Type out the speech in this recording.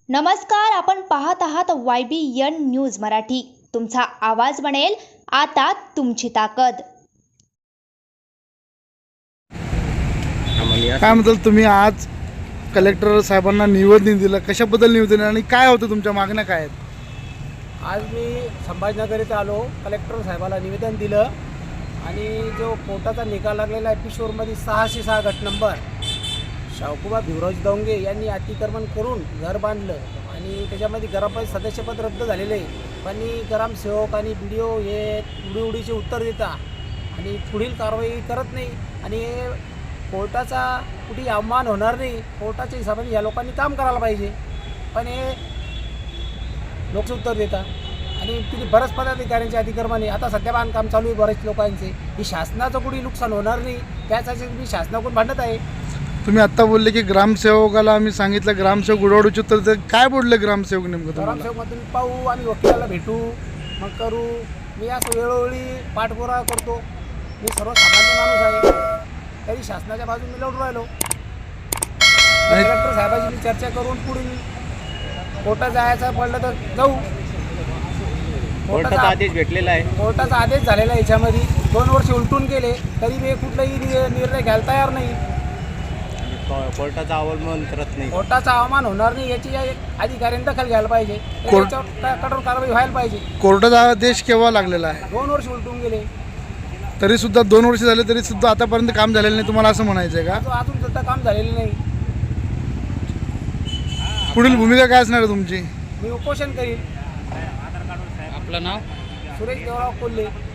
नमस्कार, आपण पाहत आहात YBN न्यूज मराठी. तुमचा आवाज बनेल आता तुमची ताकद. काय म्हणताल तुम्ही आज कलेक्टर साहेबांना निवेदन दिलं, कशाबद्दल निवेदन आणि काय होतं, तुमच्या मागण्या काय आहेत? आज मी संभाजीनगर येथे आलो, कलेक्टर साहेबाला निवेदन दिलं आणि जो कोर्टाचा निकाल लागलेला आहे पिशोरमध्ये 606 गट नंबर शाहूकुबा भिवराज दौंगे यांनी अतिक्रमण करून घर बांधलं आणि त्याच्यामध्ये ग्रामपंचायत सदस्यपद रद्द झालेलं आहे. पण ग्रामसेवक आणि BDO हे उडीचे उत्तर देता आणि पुढील कारवाई करत नाही आणि कोर्टाचा कुठेही अवमान होणार नाही. कोर्टाच्या हिशोबाने या लोकांनी काम करायला पाहिजे, पण हे लोक उत्तर देतात आणि तिथे बऱ्याच पदाधिकाऱ्यांचे अतिक्रमण आता सध्या बांधकाम चालू आहे बरेच लोकांचे. ही शासनाचं कुठेही नुकसान होणार नाही, त्यासाठी मी शासनाकडून भांडत आहे. तुम्ही आत्ता बोलले की ग्रामसेवकाला आम्ही सांगितलं, ग्रामसेवक उडवडूचे उत्तर तर काय बोलले ग्रामसेवक नेमकं तुम्हाला? ग्रामसेवकमधून पाहू, आम्ही वकिलाला भेटू, मग करू. मी असं वेळोवेळी पाठपुरावा करतो. मी सर्वसामान्य माणूस आहे, तरी शासनाच्या बाजूने मी लढून राहिलो. कलेक्टर साहेबांशी मी चर्चा करून पुढील कोर्टात जायचं पडलं तर जाऊ. कोर्टाचा आदेश भेटलेला आहे. कोर्टाचा आदेश झालेला आहे. याच्यामध्ये 2 वर्ष उलटून गेले तरी मी कुठलाही निर्णय घ्यायला तयार नाही. कोर्टाचा अवमान करत नाही. कोर्टाचा अवमान होणार नाही याची अधिकाऱ्यांनी दखल घ्यायला पाहिजे. याच्यावर कठोर कारवाई व्हायला पाहिजे. कोर्टाचा आदेश केव्हा लागलेला आहे? 2 वर्ष उलटून गेले तरी सुद्धा 2 वर्ष झाले तरी सुद्धा आतापर्यंत काम झालेलं नाही, तुम्हाला असं म्हणायचं आहे का? अजून सुद्धा काम झालेलं नाही. पुढील भूमिका काय असणार आहे तुमची? मी उपोषण करीन. आपलं नाव? सुरेश देवराव कोल्हे.